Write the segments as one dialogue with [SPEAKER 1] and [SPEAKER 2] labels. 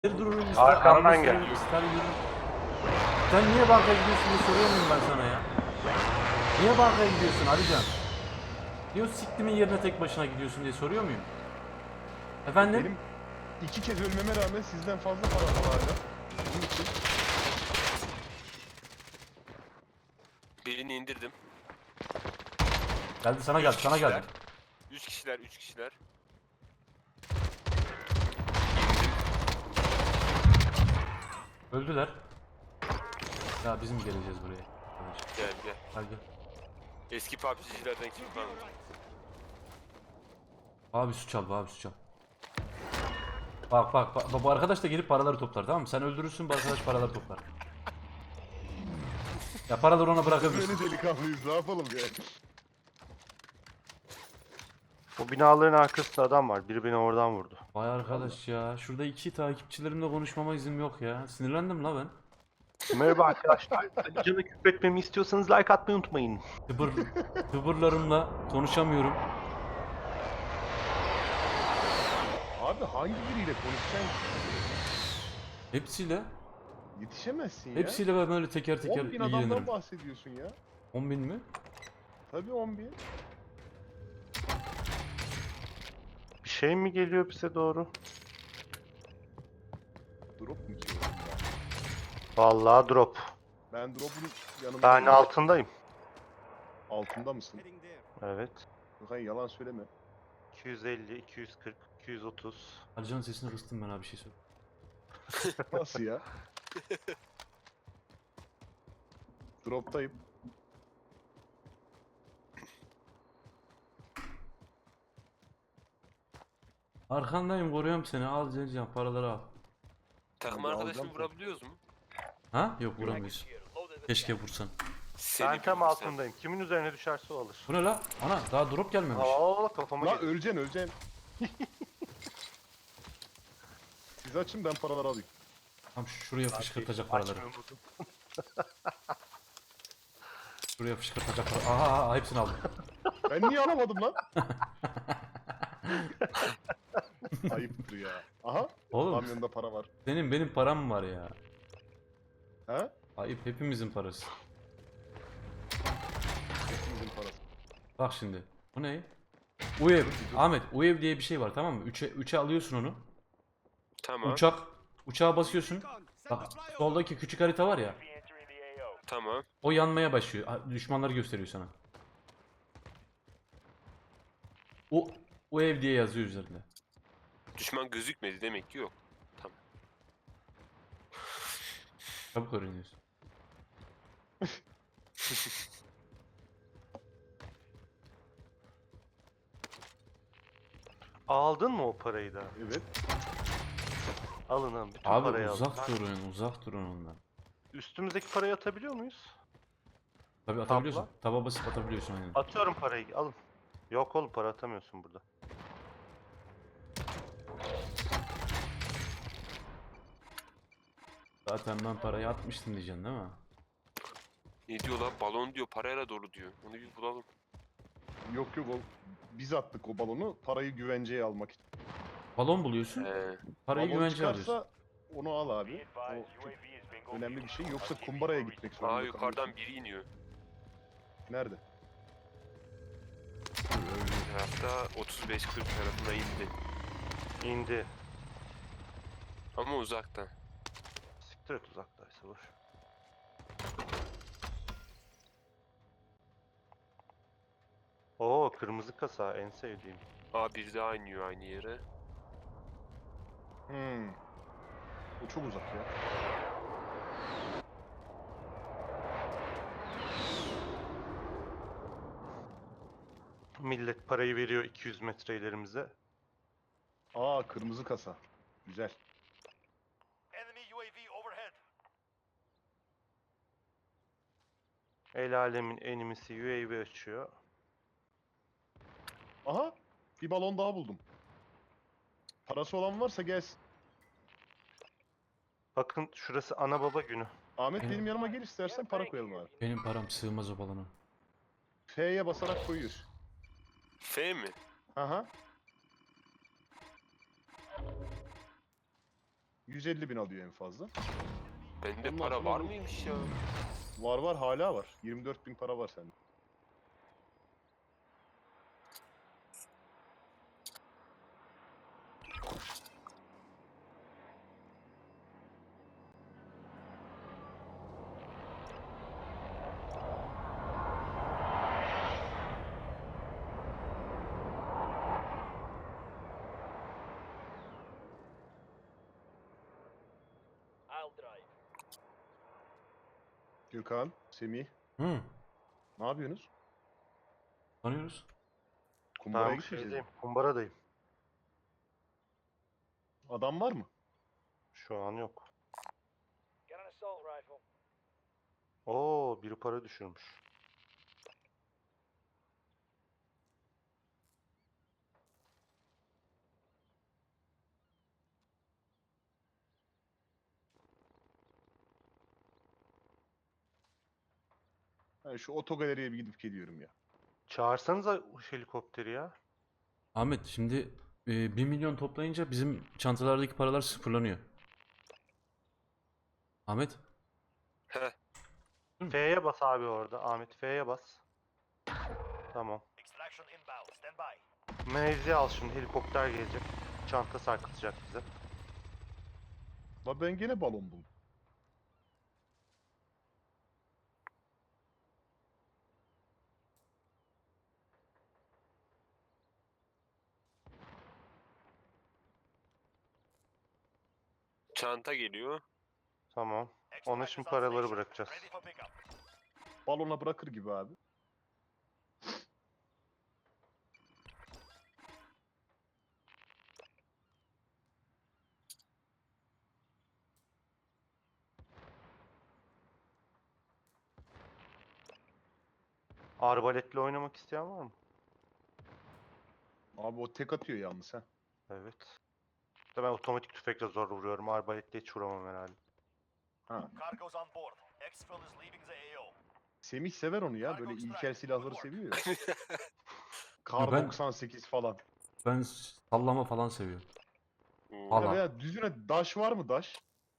[SPEAKER 1] Dururum ister
[SPEAKER 2] Arkamdan
[SPEAKER 1] araba
[SPEAKER 2] gel.
[SPEAKER 1] sürerim, ister yürürüm. Sen niye bankaya gidiyorsun diye soruyor muyum ben sana ya? Niye bankaya gidiyorsun Alican? Niye o siktimin yerine tek başına gidiyorsun diye soruyor muyum? Efendim?
[SPEAKER 3] Benim 2 kez ölmeme rağmen sizden fazla para var hala. Bunun için
[SPEAKER 4] Birini indirdim.
[SPEAKER 1] Geldi sana geldi sana geldi.
[SPEAKER 4] 3 kişiler, 3 kişiler.
[SPEAKER 1] Öldüler. Ya biz mi geleceğiz buraya? Arkadaş.
[SPEAKER 4] Gel gel.
[SPEAKER 1] Gel gel.
[SPEAKER 4] Eski PUBG'cilerden kim kaldı?
[SPEAKER 1] Abi su çal abi su çal. Bak bu arkadaş da gelip paraları toplar, tamam mı? Sen öldürürsün, bu arkadaş paraları toplar. Ya paraları ona bırakabilirsin.
[SPEAKER 3] böyle delikanlıyız, ne yapalım yani.
[SPEAKER 2] O binaların arkasında adam var. Biri beni oradan vurdu.
[SPEAKER 1] Vay arkadaş ya. Şurada iki takipçilerimle konuşmama izin yok ya. Sinirlendim la ben.
[SPEAKER 2] Merhaba arkadaşlar. Canı küfretmemi istiyorsanız like atmayı unutmayın.
[SPEAKER 1] Tıbırlarımla konuşamıyorum.
[SPEAKER 3] Abi hangi biriyle konuşacaksın ki?
[SPEAKER 1] Hepsiyle.
[SPEAKER 3] Yetişemezsin ya.
[SPEAKER 1] Hepsiyle ben böyle teker teker
[SPEAKER 3] 10.000 adamdan
[SPEAKER 1] ilgilenirim.
[SPEAKER 3] bahsediyorsun ya.
[SPEAKER 1] 10.000 mi?
[SPEAKER 3] Tabii 10.000.
[SPEAKER 2] Bir şey mi geliyor bize doğru?
[SPEAKER 3] Drop mu ki?
[SPEAKER 2] Vallahi drop.
[SPEAKER 3] Ben drop'un yanında
[SPEAKER 2] Ben altındayım.
[SPEAKER 3] altında mısın?
[SPEAKER 2] Evet.
[SPEAKER 3] Hayır, yalan söyleme.
[SPEAKER 2] 250, 240, 230.
[SPEAKER 1] Alican'ın sesini kıstım ben abi, bir şey söyle.
[SPEAKER 3] Nasıl ya? Drop'tayım.
[SPEAKER 1] Arkandayım, koruyorum seni. Al Cencan, paraları al.
[SPEAKER 4] Takım
[SPEAKER 3] Ben de
[SPEAKER 4] arkadaşını
[SPEAKER 3] alacağım.
[SPEAKER 4] vurabiliyoruz mu?
[SPEAKER 1] Ha? Yok, vuramıyorsun. Keşke vursan.
[SPEAKER 4] Seni
[SPEAKER 2] Ben tam
[SPEAKER 4] bir vursam.
[SPEAKER 2] altındayım. Kimin üzerine düşerse o alır.
[SPEAKER 1] Bu ne la? Ana daha drop gelmemiş.
[SPEAKER 2] Aa kafama
[SPEAKER 3] La
[SPEAKER 2] geliyor.
[SPEAKER 3] öleceksin. Siz açın, ben paraları alayım.
[SPEAKER 1] Tam şuraya fışkırtacak paraları.
[SPEAKER 2] Açmıyorum bunu.
[SPEAKER 1] Şuraya fışkırtacak paraları. Aha hepsini aldım.
[SPEAKER 3] Ben niye alamadım lan? Ayıptır ya. Aha.
[SPEAKER 1] Oğlum
[SPEAKER 3] Kamyonda para var.
[SPEAKER 1] benim param var ya.
[SPEAKER 3] Ha?
[SPEAKER 1] Ayıp, hepimizin parası.
[SPEAKER 3] Hepimizin parası.
[SPEAKER 1] Bak şimdi. Bu ne? UEV. Ahmet, UEV diye bir şey var, tamam mı? 3'e alıyorsun onu.
[SPEAKER 4] Tamam.
[SPEAKER 1] Uçağa basıyorsun. Bak soldaki küçük harita var ya.
[SPEAKER 4] Tamam.
[SPEAKER 1] O yanmaya başlıyor. Düşmanları gösteriyor sana. O ev diye yazıyor üzerinde.
[SPEAKER 4] Düşman gözükmedi demek ki yok. Tamam.
[SPEAKER 1] Çabuk öğreniyorsun.
[SPEAKER 2] Aldın mı o parayı da?
[SPEAKER 3] Evet.
[SPEAKER 2] Alın abi. Bütün
[SPEAKER 1] Abi
[SPEAKER 2] parayı alın.
[SPEAKER 1] uzak durun ondan.
[SPEAKER 2] Üstümüzdeki parayı atabiliyor muyuz?
[SPEAKER 1] Tabii atabiliyorsun. Taba basıp atabiliyorsun aynen.
[SPEAKER 2] Atıyorum parayı. Alın. Yok oğlum, para atamıyorsun burada.
[SPEAKER 1] Zaten ben parayı atmıştım diyeceksin değil mi?
[SPEAKER 4] Ne diyor lan? Balon diyor, parayla dolu diyor. Onu bir bulalım.
[SPEAKER 3] Yok o biz attık o balonu parayı güvenceye almak için.
[SPEAKER 1] Balon buluyorsun. Parayı
[SPEAKER 3] Balon
[SPEAKER 1] güvence
[SPEAKER 3] çıkarsa
[SPEAKER 1] alıyorsun.
[SPEAKER 3] onu al abi. O çok önemli bir şey. Yoksa kumbaraya gitmek zorunda
[SPEAKER 4] Aa, yukarıdan
[SPEAKER 3] kalıyorsun.
[SPEAKER 4] biri iniyor.
[SPEAKER 3] Nerede?
[SPEAKER 4] Tarafta 35-40 tarafına indi.
[SPEAKER 2] İndi.
[SPEAKER 4] Ama uzakta.
[SPEAKER 2] Siktir et, uzaktaysa boş. Oo, kırmızı kasa en sevdiğim.
[SPEAKER 4] Aa, bir daha iniyor aynı yere.
[SPEAKER 3] O çok uzak ya.
[SPEAKER 2] Millet parayı veriyor 200 metre ilerimize.
[SPEAKER 3] Aa, kırmızı kasa. Güzel.
[SPEAKER 2] El alemin enemisi UAV açıyor.
[SPEAKER 3] Aha, bir balon daha buldum. Parası olan varsa gelsin.
[SPEAKER 2] Bakın şurası ana baba günü.
[SPEAKER 3] Ahmet
[SPEAKER 1] Evet.
[SPEAKER 3] benim yanıma gel, istersen para koyalım abi.
[SPEAKER 1] Benim param sığmaz o balona.
[SPEAKER 3] F'ye basarak koyuyorsun.
[SPEAKER 4] F mi?
[SPEAKER 3] Aha. 150.000 alıyor en fazla.
[SPEAKER 4] Bende
[SPEAKER 3] Ondan
[SPEAKER 4] para
[SPEAKER 3] sonra
[SPEAKER 4] var
[SPEAKER 3] bu-
[SPEAKER 4] mıymış ya?
[SPEAKER 3] Var hala var. 24.000 para var sende. Gökhan, Semih,
[SPEAKER 1] Hı.
[SPEAKER 3] ne yapıyorsunuz?
[SPEAKER 1] Tanıyoruz.
[SPEAKER 3] Kumbaraya
[SPEAKER 2] Ben bu
[SPEAKER 3] gitmeyeceğiz mi?
[SPEAKER 2] şeydeyim. Kumbaradayım.
[SPEAKER 3] Adam var mı?
[SPEAKER 2] Şu an yok. Oo, biri para düşürmüş.
[SPEAKER 3] Ben şu otogaleriye bir gidip geliyorum ya.
[SPEAKER 2] Çağırsanıza helikopteri ya.
[SPEAKER 1] Ahmet şimdi 1 milyon toplayınca bizim çantalardaki paralar sıfırlanıyor. Ahmet.
[SPEAKER 4] Heh.
[SPEAKER 2] F'ye bas abi orada. Ahmet F'ye bas. Tamam. Mevzi al şimdi. Helikopter gelecek. Çanta sarkıtacak bize.
[SPEAKER 3] La ben gene balon buldum.
[SPEAKER 4] Çanta geliyor.
[SPEAKER 2] Tamam. Ona şimdi paraları bırakacağız.
[SPEAKER 3] Balona bırakır gibi abi.
[SPEAKER 2] Arbaletle oynamak isteyen var mı?
[SPEAKER 3] Abi o tek atıyor yalnız ha.
[SPEAKER 2] Evet. İşte ben otomatik tüfekle zor vuruyorum. Arbaletle hiç vuramam herhalde.
[SPEAKER 3] Ha.
[SPEAKER 5] Cargo's on board. Exfil is leaving the AO.
[SPEAKER 3] Semih sever onu ya. Böyle ilkel silahları seviyor ya.
[SPEAKER 1] Ya
[SPEAKER 3] Kar
[SPEAKER 1] ben-
[SPEAKER 3] 98 falan.
[SPEAKER 1] Ben sallama falan seviyorum.
[SPEAKER 4] Hmm.
[SPEAKER 1] Valla.
[SPEAKER 3] Ya veya düzüne daş var mı daş?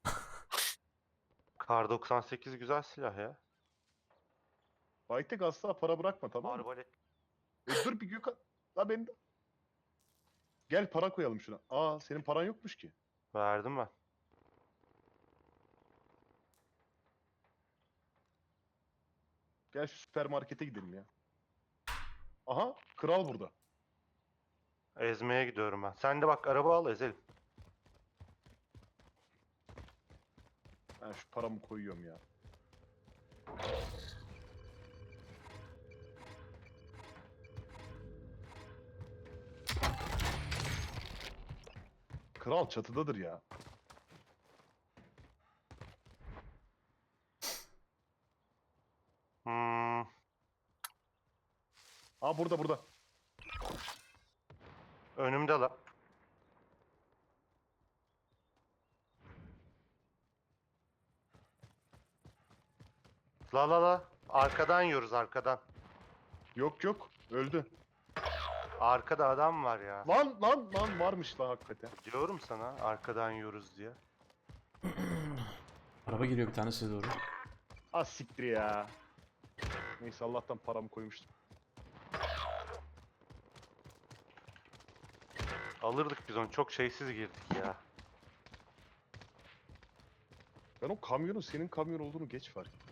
[SPEAKER 2] Kar 98 güzel silah ya.
[SPEAKER 3] Baytek asla para bırakma tamam mı?
[SPEAKER 2] Arbalet.
[SPEAKER 3] Dur bir Gökhan. La ben de. Gel para koyalım şuna. Aa senin paran yokmuş ki.
[SPEAKER 2] Verdim ben.
[SPEAKER 3] Gel şu süpermarkete gidelim ya. Aha kral burada.
[SPEAKER 2] Ezmeye gidiyorum ben. Sen de bak araba al ezelim.
[SPEAKER 3] Ben şu paramı koyuyorum ya. Kral çatıdadır ya.
[SPEAKER 2] Hmm.
[SPEAKER 3] Aa burada.
[SPEAKER 2] Önümde la. La. Arkadan yiyoruz arkadan.
[SPEAKER 3] Yok öldü.
[SPEAKER 2] Arkada adam var ya.
[SPEAKER 3] Lan varmış lan hakikaten.
[SPEAKER 2] Diyorum sana arkadan yiyoruz diye.
[SPEAKER 1] Araba geliyor bir tane size doğru.
[SPEAKER 3] Az siktir ya. Neyse Allah'tan paramı koymuştum.
[SPEAKER 2] Alırdık biz onu. Çok şeysiz girdik ya.
[SPEAKER 3] Ben o kamyonun senin kamyon olduğunu geç fark ettim.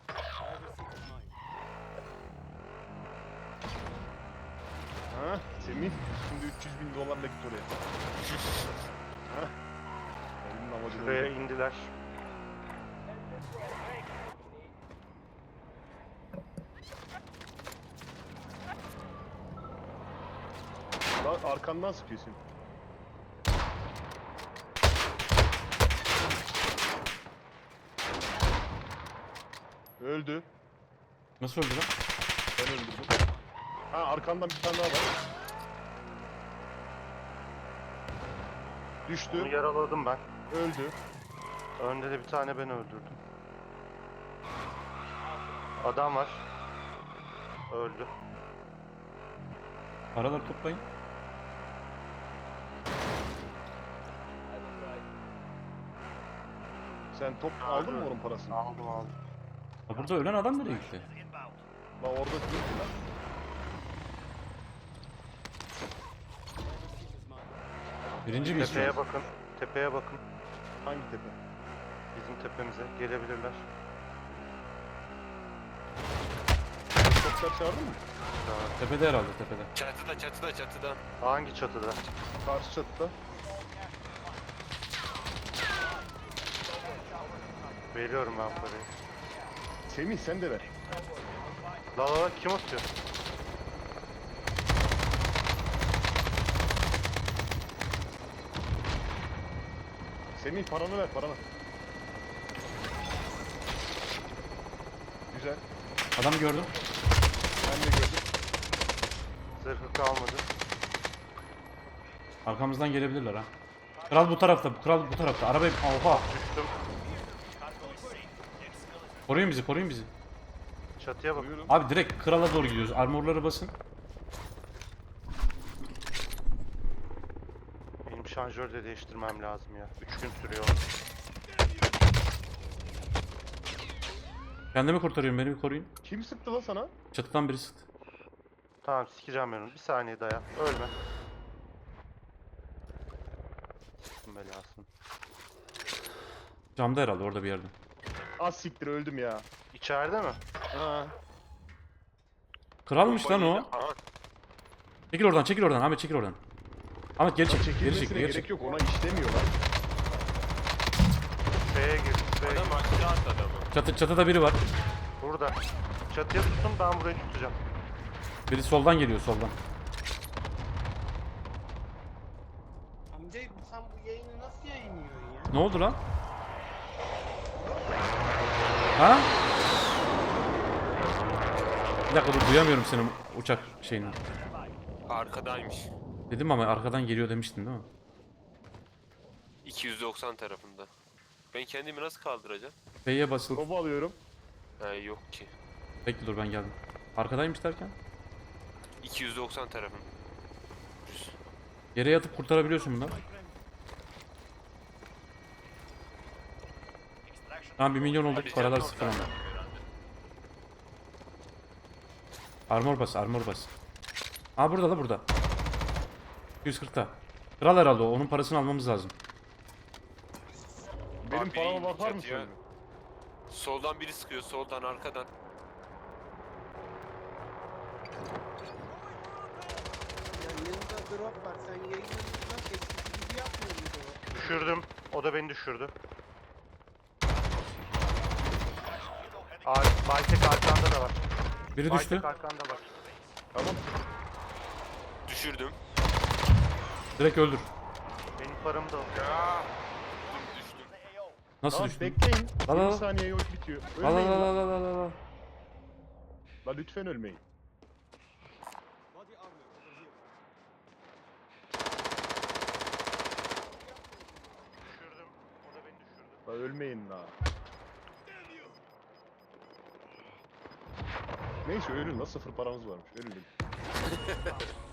[SPEAKER 3] Ha Semih şimdi 300.000 dolarla git oraya. Ha. Elimin amacı
[SPEAKER 2] Şuraya
[SPEAKER 3] buydu.
[SPEAKER 2] indiler.
[SPEAKER 3] Lan arkandan sıkıyorsun. Öldü.
[SPEAKER 1] Nasıl öldü lan?
[SPEAKER 3] Ben öldürdüm. Ha arkandan bir tane daha var.
[SPEAKER 2] Onu
[SPEAKER 3] Düştü.
[SPEAKER 2] yaraladım ben.
[SPEAKER 3] Öldü.
[SPEAKER 2] Önde de bir tane ben öldürdüm. Adam var. Öldü.
[SPEAKER 1] Paraları toplayın.
[SPEAKER 3] Sen top aldın mı onun parasını?
[SPEAKER 2] Aldım.
[SPEAKER 1] Ha, burada ölen adam nereye gitti?
[SPEAKER 5] Is inbound.
[SPEAKER 3] La orada değil ki lan.
[SPEAKER 1] Birinci miyiz şu an?
[SPEAKER 2] Tepeye bakın.
[SPEAKER 3] Hangi tepe?
[SPEAKER 2] Bizim tepemize gelebilirler.
[SPEAKER 3] Toplar çağırdın mı?
[SPEAKER 1] Tepede herhalde, tepede.
[SPEAKER 4] Çatıda.
[SPEAKER 2] Hangi çatıda?
[SPEAKER 3] Karşı çatıda.
[SPEAKER 2] Veriyorum ben parayı.
[SPEAKER 3] Semih sen de ver.
[SPEAKER 2] La kim atıyor?
[SPEAKER 3] Semih paranı ver paranı. Güzel.
[SPEAKER 1] Adam gördüm.
[SPEAKER 3] Ben de gördüm.
[SPEAKER 2] Zırhı kalmadı.
[SPEAKER 1] Arkamızdan gelebilirler ha. Kral bu tarafta, kral bu tarafta. Arabayı... Oha!
[SPEAKER 2] Düştüm.
[SPEAKER 1] Koruyun bizi, koruyun bizi.
[SPEAKER 2] Çatıya bak.
[SPEAKER 3] Buyurun.
[SPEAKER 1] Abi direkt krala doğru gidiyoruz. Armorları basın.
[SPEAKER 2] Benim şarjörü de değiştirmem lazım ya. 3 gün sürüyor.
[SPEAKER 1] Kendimi kurtarıyorum, beni bir koruyun.
[SPEAKER 3] Kim sıktı la sana?
[SPEAKER 1] Çatıdan biri sıktı.
[SPEAKER 2] Tamam sikeceğim ben onu. Bir saniye dayan. Ölme. Sıktım belasını.
[SPEAKER 1] Camda herhalde, orada bir yerde.
[SPEAKER 3] Az siktir öldüm ya.
[SPEAKER 2] İçeride mi?
[SPEAKER 3] Ha.
[SPEAKER 1] Kralmış lan o.
[SPEAKER 4] Aha,
[SPEAKER 1] Çekil oradan, çekil oradan. Ahmet çekil oradan. Ahmet geri çek, geri
[SPEAKER 3] Çekilmesine
[SPEAKER 1] çek, geri
[SPEAKER 3] gerek
[SPEAKER 1] çek.
[SPEAKER 3] yok ona işlemiyor lan.
[SPEAKER 2] B'ye gir. B'ye
[SPEAKER 4] adam
[SPEAKER 2] gir.
[SPEAKER 4] aşağı attı adamı.
[SPEAKER 1] Çatıda biri var.
[SPEAKER 2] Burada. Çatıya tutun ben burayı tutacağım.
[SPEAKER 1] Biri soldan geliyor, soldan.
[SPEAKER 6] Amca sen bu yayını nasıl yayınlıyorsun ya?
[SPEAKER 1] Ne oldu lan? Ha? Bir dakika dur, duyamıyorum senin uçak şeyini.
[SPEAKER 4] Arkadaymış.
[SPEAKER 1] Dedim ama arkadan geliyor demiştin değil mi?
[SPEAKER 4] 290 tarafında. Ben kendimi nasıl kaldıracağım?
[SPEAKER 1] F'ye basılı.
[SPEAKER 3] Topu alıyorum.
[SPEAKER 4] Yok ki.
[SPEAKER 1] Bekle dur, ben geldim. Arkadaymış derken?
[SPEAKER 4] 290 tarafım. Düz.
[SPEAKER 1] Yere yatıp kurtarabiliyorsun bundan.
[SPEAKER 5] Extraction.
[SPEAKER 1] Tamam 1 milyon olduk,
[SPEAKER 4] Hadi
[SPEAKER 1] paralar
[SPEAKER 4] canım,
[SPEAKER 1] sıfır
[SPEAKER 4] oradan.
[SPEAKER 1] ama. Armor bas, armor bas. Aa burada da burada. 240'ta. Kral herhalde o, onun parasını almamız lazım.
[SPEAKER 3] Benim
[SPEAKER 4] Abi,
[SPEAKER 3] parama bakar mısın?
[SPEAKER 4] çatıya. Soldan biri sıkıyor, soldan arkadan.
[SPEAKER 6] Ya yanında drop var. Sen yayını nasıl eskisi gibi yapmıyor muydun o?
[SPEAKER 2] Düşürdüm. O da beni düşürdü. Baytek arkanda da var.
[SPEAKER 1] Biri düştü.
[SPEAKER 2] Baytek arkanda var.
[SPEAKER 3] Tamam.
[SPEAKER 4] Düşürdüm.
[SPEAKER 1] Direkt öldür.
[SPEAKER 2] Benim paramı da al.
[SPEAKER 4] Ya. Düştüm.
[SPEAKER 1] Nasıl
[SPEAKER 3] Tamam
[SPEAKER 1] düştün?
[SPEAKER 3] bekleyin.
[SPEAKER 1] Al, al.
[SPEAKER 3] 20 saniye yok bitiyor.
[SPEAKER 1] Al al
[SPEAKER 3] Ölmeyin
[SPEAKER 1] al
[SPEAKER 3] lan.
[SPEAKER 1] al al al al.
[SPEAKER 3] La lütfen ölmeyin.
[SPEAKER 2] Düşürdüm. O da beni düşürdü.
[SPEAKER 3] La ölmeyin la. Neyse ölün la, sıfır paramız varmış. Ölün.